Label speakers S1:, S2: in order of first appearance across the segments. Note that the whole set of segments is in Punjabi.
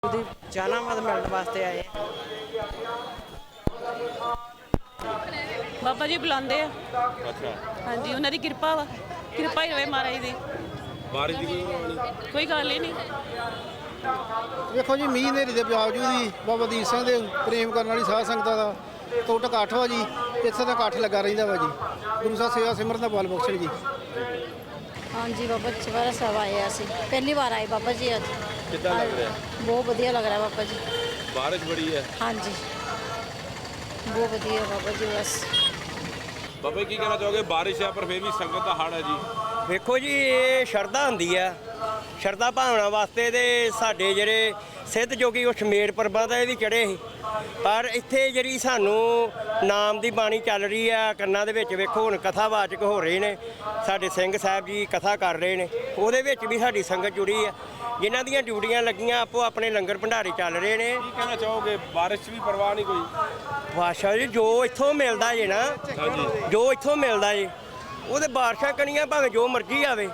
S1: ਉਹਦੀ ਜਾਨਾਮਤ ਮਿਲਣ ਵਾਸਤੇ ਆਏ ਆ।
S2: ਬਾਬਾ ਜੀ ਬੁਲਾਉਂਦੇ ਆ।
S3: ਅੱਛਾ,
S2: ਹਾਂਜੀ, ਉਹਨਾਂ ਦੀ ਕਿਰਪਾ ਵਾ, ਕਿਰਪਾ ਹੀ ਹੋਵੇ ਮਹਾਰਾਜ ਦੀ।
S3: ਬਾਰਿਸ਼ ਦੀ
S2: ਕੋਈ ਗੱਲ ਹੀ ਨਹੀਂ।
S4: ਵੇਖੋ ਜੀ, ਮੀਂਹ ਹਨੇਰੀ ਦੇ ਬਾਵਜੂਦ ਹੀ ਬਾਬਾ ਦੀਪ ਸਿੰਘ ਦੇ ਪ੍ਰੇਮ ਕਰਨ ਵਾਲੀ ਸਾਧ ਸੰਗਤਾਂ ਦਾ ਟੁੱਟ ਇਕੱਠ ਵਾ ਜੀ। ਇੱਥੇ ਦਾ ਇਕੱਠ ਲੱਗਾ ਰਹਿੰਦਾ ਵਾ ਜੀ। ਗੁਰੂ ਸਾਹਿਬ ਸੇਵਾ ਸਿਮਰਨ ਦਾ ਬਲ ਬਖਸ਼ਣ ਜੀ।
S5: ਹਾਂਜੀ ਬਾਬਾ ਚੁਪਹਿਰਾ ਸਾਹਿਬ ਆਏ ਅਸੀਂ, ਪਹਿਲੀ ਵਾਰ ਆਏ ਬਾਬਾ ਜੀ ਅੱਜ।
S3: ਕਿੱਦਾਂ ਲੱਗ ਰਿਹਾ?
S5: ਬਹੁਤ ਵਧੀਆ ਲੱਗ ਰਿਹਾ ਬਾਬਾ ਜੀ।
S3: ਬਾਰਿਸ਼ ਬੜੀ ਹੈ।
S5: ਹਾਂਜੀ ਬਹੁਤ ਵਧੀਆ ਬਾਬਾ ਜੀ। ਬਸ
S3: ਬਾਬਾ ਜੀ ਕੀ ਕਹਿਣਾ ਚਾਹੋਗੇ? ਬਾਰਿਸ਼ ਹੈ ਪਰ ਫਿਰ ਵੀ ਸੰਗਤ ਦਾ ਹੜ੍ਹ ਹੈ ਜੀ।
S6: ਵੇਖੋ ਜੀ, ਇਹ ਸ਼ਰਧਾ ਹੁੰਦੀ ਆ, ਸ਼ਰਧਾ ਭਾਵਨਾ ਵਾਸਤੇ ਤੇ ਸਾਡੇ ਜਿਹੜੇ ਸਿੱਧ ਜੋਗੀ ਉਹ ਸ਼ਮੇਰ ਪਰਬਤ ਇਹ ਵੀ ਚੜ੍ਹੇ ਸੀ। ਪਰ ਇੱਥੇ ਜਿਹੜੀ ਸਾਨੂੰ ਨਾਮ ਦੀ ਬਾਣੀ ਚੱਲ ਰਹੀ ਆ ਕੰਨਾਂ ਦੇ ਵਿੱਚ, ਵੇਖੋ ਹੁਣ ਕਥਾਵਾਚਕ ਹੋ ਰਹੇ ਨੇ, ਸਾਡੇ ਸਿੰਘ ਸਾਹਿਬ ਜੀ ਕਥਾ ਕਰ ਰਹੇ ਨੇ, ਉਹਦੇ ਵਿੱਚ ਵੀ ਸਾਡੀ ਸੰਗਤ ਜੁੜੀ ਆ। ਜਿਨ੍ਹਾਂ ਦੀਆਂ ਡਿਊਟੀਆਂ ਲੱਗੀਆਂ ਆਪੋ ਆਪਣੇ ਲੰਗਰ ਭੰਡਾਰੇ ਚੱਲ ਰਹੇ ਨੇ।
S3: ਕੀ ਕਹਿਣਾ ਚਾਹੋਗੇ? ਬਾਰਿਸ਼ 'ਚ ਵੀ ਪਰਵਾਹ ਨਹੀਂ ਕੋਈ?
S6: ਬਾਦਸ਼ਾਹ ਜੀ, ਜੋ ਇੱਥੋਂ ਮਿਲਦਾ ਜੇ ਨਾ, ਜੋ ਇੱਥੋਂ ਮਿਲਦਾ ਜੇ ਉਹਦੇ ਬਾਰਿਸ਼ਾਂ ਕਣੀਆਂ ਭਾਵੇਂ ਜੋ ਮਰਜ਼ੀ ਆਵੇ।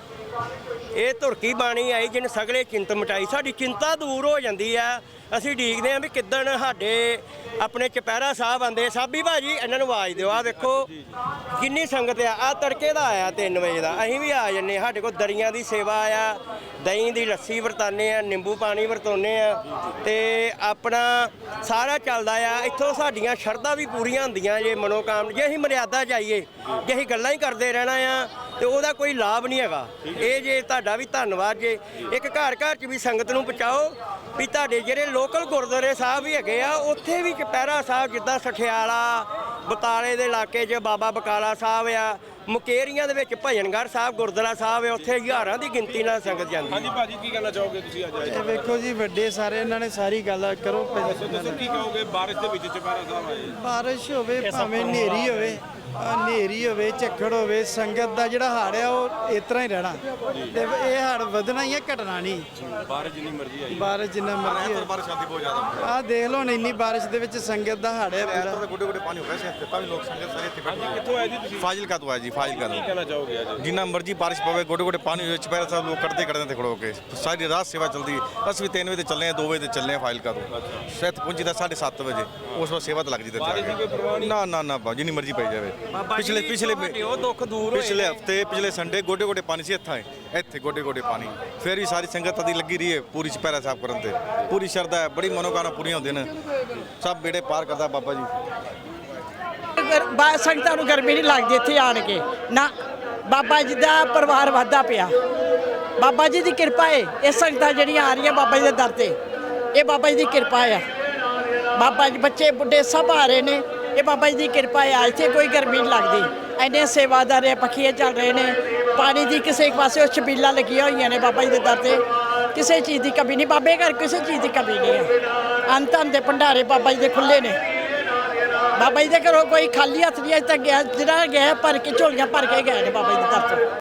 S6: ਇਹ ਧੁਰਕੀ ਬਾਣੀ ਆਈ ਜਿਹਨੇ ਸਗਲੇ ਚਿੰਤ ਮਟਾਈ। ਸਾਡੀ ਚਿੰਤਾ ਦੂਰ ਹੋ ਜਾਂਦੀ ਆ। ਅਸੀਂ ਡੀਕਦੇ ਹਾਂ ਵੀ ਕਿੱਦਣ ਸਾਡੇ ਆਪਣੇ ਚੁਪਹਿਰਾ ਸਾਹਿਬ ਆਉਂਦੇ। ਸਾਬੀ ਭਾਜੀ ਇਹਨਾਂ ਨੂੰ ਆਵਾਜ਼ ਦਿਓ। ਆ ਵੇਖੋ ਕਿੰਨੀ ਸੰਗਤ ਆ ਤੜਕੇ ਦਾ ਆਇਆ 3 ਵਜੇ ਦਾ। ਅਸੀਂ ਵੀ ਆ ਜੰਨੇ। ਸਾਡੇ ਕੋਲ ਦਰੀਆਂ ਦੀ ਸੇਵਾ ਆ, ਦਹੀਂ ਦੀ ਲੱਸੀ ਵਰਤਾਨੇ ਆ, ਨਿੰਬੂ ਪਾਣੀ ਵਰਤਾਉਂਦੇ ਆ ਤੇ ਆਪਣਾ ਸਾਰਾ ਚੱਲਦਾ ਆ। ਇੱਥੋਂ ਸਾਡੀਆਂ ਸ਼ਰਧਾ ਵੀ ਪੂਰੀਆਂ ਹੁੰਦੀਆਂ ਜੇ ਮਨੋਕਾਮ। ਜੇ ਅਸੀਂ ਮਰਿਆਦਾ ਚਾਹੀਏ, ਜੇ ਅਸੀਂ ਗੱਲਾਂ ਹੀ ਕਰਦੇ ਰਹਿਣਾ ਆ ਤੇ ਉਹਦਾ ਕੋਈ ਲਾਭ ਨਹੀਂ ਹੈਗਾ। ਇਹ ਜੇ ਤੁਹਾਡਾ ਵੀ ਧੰਨਵਾਦ ਜੇ। ਇੱਕ ਘਰ ਘਰ 'ਚ ਵੀ ਸੰਗਤ ਨੂੰ ਪਹੁੰਚਾਓ ਵੀ ਤੁਹਾਡੇ ਜਿਹੜੇ ਲੋਕਲ ਗੁਰਦੁਆਰੇ ਸਾਹਿਬ ਵੀ ਹੈਗੇ ਆ ਉੱਥੇ ਵੀ ਚੁਪਹਿਰਾ ਸਾਹਿਬ, ਜਿੱਦਾਂ ਸਠਿਆਲਾ ਬਤਾਲੇ ਦੇ ਇਲਾਕੇ 'ਚ ਬਾਬਾ ਬਕਾਲਾ ਸਾਹਿਬ ਆ, ਮੁਕੇਰੀਆਂ ਦੇ ਵਿੱਚ ਭਜਨਗੜ੍ਹ ਸਾਹਿਬ ਗੁਰਦੁਆਰਾ ਸਾਹਿਬ ਹੈ, ਉੱਥੇ ਹਜ਼ਾਰਾਂ ਦੀ ਗਿਣਤੀ ਨਾਲ ਸੰਗਤ ਜਾਂਦੀ।
S3: ਹਾਂਜੀ ਭਾਜੀ, ਕੀ ਕਹਿਣਾ ਚਾਹੋਗੇ ਤੁਸੀਂ ਅੱਜ ਆਏ?
S4: ਇਹ ਵੇਖੋ ਜੀ, ਵੱਡੇ ਸਾਰੇ ਇਹਨਾਂ ਨੇ ਸਾਰੀ ਗੱਲ ਕਰੋ।
S3: ਦੱਸੋ ਕੀ ਕਹੋਗੇ? ਬਾਰਿਸ਼ ਦੇ ਵਿੱਚ ਚੁਪਹਿਰਾ ਸਾਹਿਬ ਆਏ।
S4: ਬਾਰਿਸ਼ ਹੋਵੇ ਭਾਵੇਂ ਹਨੇਰੀ ਹੋਵੇ, ਹਨੇਰੀ ਹੋਵੇ, ਝੱਖੜ ਹੋਵੇ, ਸੰਗਤ ਦਾ ਜਿਹੜਾ ਹਾੜ ਆ ਉਹ ਇਸ ਤਰ੍ਹਾਂ ਹੀ ਰਹਿਣਾ ਤੇ ਇਹ ਹਾੜ ਵਧਣਾ ਹੀ ਹੈ, ਘਟਣਾ ਨਹੀਂ।
S3: ਬਾਰਿਸ਼ ਜਿੰਨੀ ਮਰਜ਼ੀ ਆਈ।
S4: ਬਾਰਿਸ਼ ਜਿੰਨਾ ਮਰਜ਼ੀ ਹੋਵੇ।
S3: ਬਾਰਿਸ਼ ਆਉਂਦੀ ਬਹੁਤ ਜ਼ਿਆਦਾ।
S4: ਆਹ ਦੇਖ ਲਓ, ਇੰਨੀ ਬਾਰਿਸ਼ ਦੇ ਵਿੱਚ ਸੰਗਤ ਦਾ ਹਾੜ ਹੈ ਪੂਰਾ।
S7: ਗੋਡੇ ਗੋਡੇ ਪਾਣੀ ਹੋ ਗਿਆ ਸੀ ਇੱਥੇ, ਤਾਂ ਵੀ ਲੋਕ ਸੰਗਤ ਸਾਰੇ ਇੱਥੇ ਬੈਠੇ
S3: ਹਾਂਜੀ, ਕਿੱਥੋਂ ਆਏ ਜੀ ਤੁਸੀਂ?
S7: ਫਾਜ਼ਿਲਕਾ ਤੋਂ ਆਏ ਜੀ, ਫਾਜ਼ਿਲਕਾ
S3: ਕੀ
S7: ਤੋਂ।
S3: ਕਹਿਣਾ ਚਾਹੋਗੇ ਅੱਜ?
S7: ਜਿੰਨਾ ਮਰਜ਼ੀ ਬਾਰਿਸ਼ ਪਵੇ, ਗੋਡੇ ਗੋਡੇ ਪਾਣੀ ਹੋਵੇ, ਚੁਪਹਿਰਾ ਸਾਹਿਬ ਲੋਕ ਕੱਢਦੇ ਤੇ ਖੜੋ ਕੇ ਸਾਰੀ ਰਾਤ ਸੇਵਾ ਚੱਲਦੀ। ਅਸੀਂ ਵੀ 3 ਵਜੇ ਤੇ ਚੱਲੇ ਆ, 2 ਵਜੇ ਤੇ ਚੱਲੇ ਆ ਫਾਜ਼ਿਲਕਾ ਤੋਂ। ਸ਼ਾਇਦ ਪਹੁੰਚੀ ਦਾ 7:30 ਵਜੇ। ਉਸ ਵਾਰ ਸੇਵਾ ਤਾਂ ਲੱਗ ਜੀ ਤੇ
S3: ਬਾਰਿਸ਼ ਦੀ ਕੋਈ ਪਰਵਾਹ ਨਹੀਂ?
S7: ਨਾ ਨਾ ਨਾ ਬਾਬਾ, ਜਿੰਨੀ ਮਰਜ਼ੀ ਪਈ ਜਾਵੇ।
S6: ਉਹ ਦੁੱਖ ਦੂਰ
S7: ਪਿਛਲੇ ਹਫਤੇ, ਪਿਛਲੇ ਸੰਡੇ ਗੋਡੇ ਗੋਡੇ ਪਾਣੀ ਸੀ ਇੱਥੇ ਗੋਡੇ ਗੋਡੇ ਪਾਣੀ। ਫਿਰ ਵੀ ਸਾਰੀ ਸੰਗਤ ਦੀ ਲੱਗੀ ਰਹੀ ਹੈ ਪੂਰੀ ਚੁਪਹਿਰਾ ਸਾਹਿਬ ਕਰਨ ਤੇ। ਪੂਰੀ ਸ਼ਰਧਾ ਹੈ, ਬੜੀ ਮਨੋਕਾਮਨਾ ਪੂਰੀਆਂ ਹੁੰਦੀਆਂ ਨੇ। ਸਭ ਬੇੜੇ ਪਾਰ ਕਰਦਾ ਬਾਬਾ ਜੀ।
S1: ਸੰਗਤਾਂ ਨੂੰ ਗਰਮੀ ਨਹੀਂ ਲੱਗਦੀ ਇੱਥੇ ਆਣ ਕੇ ਨਾ। ਬਾਬਾ ਜੀ ਦਾ ਪਰਿਵਾਰ ਵੱਧਦਾ ਪਿਆ। ਬਾਬਾ ਜੀ ਦੀ ਕਿਰਪਾ ਹੈ। ਇਹ ਸੰਗਤਾਂ ਜਿਹੜੀਆਂ ਆ ਰਹੀਆਂ ਬਾਬਾ ਜੀ ਦੇ ਦਰ ਤੇ, ਇਹ ਬਾਬਾ ਜੀ ਦੀ ਕਿਰਪਾ ਆ। ਬਾਬਾ ਜੀ, ਬੱਚੇ ਬੁੱਢੇ ਸਭ ਆ ਰਹੇ ਨੇ। ਇਹ ਬਾਬਾ ਜੀ ਦੀ ਕਿਰਪਾ ਆ। ਇੱਥੇ ਕੋਈ ਗਰਮੀ ਨਹੀਂ ਲੱਗਦੀ। ਇੰਨੇ ਸੇਵਾਦਾਰ ਹੈ, ਪੱਖੀਏ ਚੱਲ ਰਹੇ ਨੇ। ਪਾਣੀ ਦੀ ਕਿਸੇ ਪਾਸੇ ਛਬੀਲਾਂ ਲੱਗੀਆਂ ਹੋਈਆਂ ਨੇ ਬਾਬਾ ਜੀ ਦੇ ਦਰ ਤੇ। ਕਿਸੇ ਚੀਜ਼ ਦੀ ਕਮੀ ਨਹੀਂ। ਬਾਬੇ ਘਰ ਕਿਸੇ ਚੀਜ਼ ਦੀ ਕਮੀ ਨਹੀਂ ਹੈ। ਅੰਤਾਂ ਦੇ ਭੰਡਾਰੇ ਬਾਬਾ ਜੀ ਦੇ ਖੁੱਲੇ ਨੇ। ਬਾਬਾ ਜੀ ਦੇ ਘਰੋਂ ਕੋਈ ਖਾਲੀ ਹੱਥ ਨਹੀਂ ਅਜੇ ਤੱਕ ਗਿਆ। ਜਿਹੜਾ ਗਿਆ ਭਰ ਕੇ ਝੋਲੀਆਂ ਭਰ ਕੇ ਗਏ ਨੇ ਬਾਬਾ ਜੀ ਦੇ ਦਰ ਤੋਂ।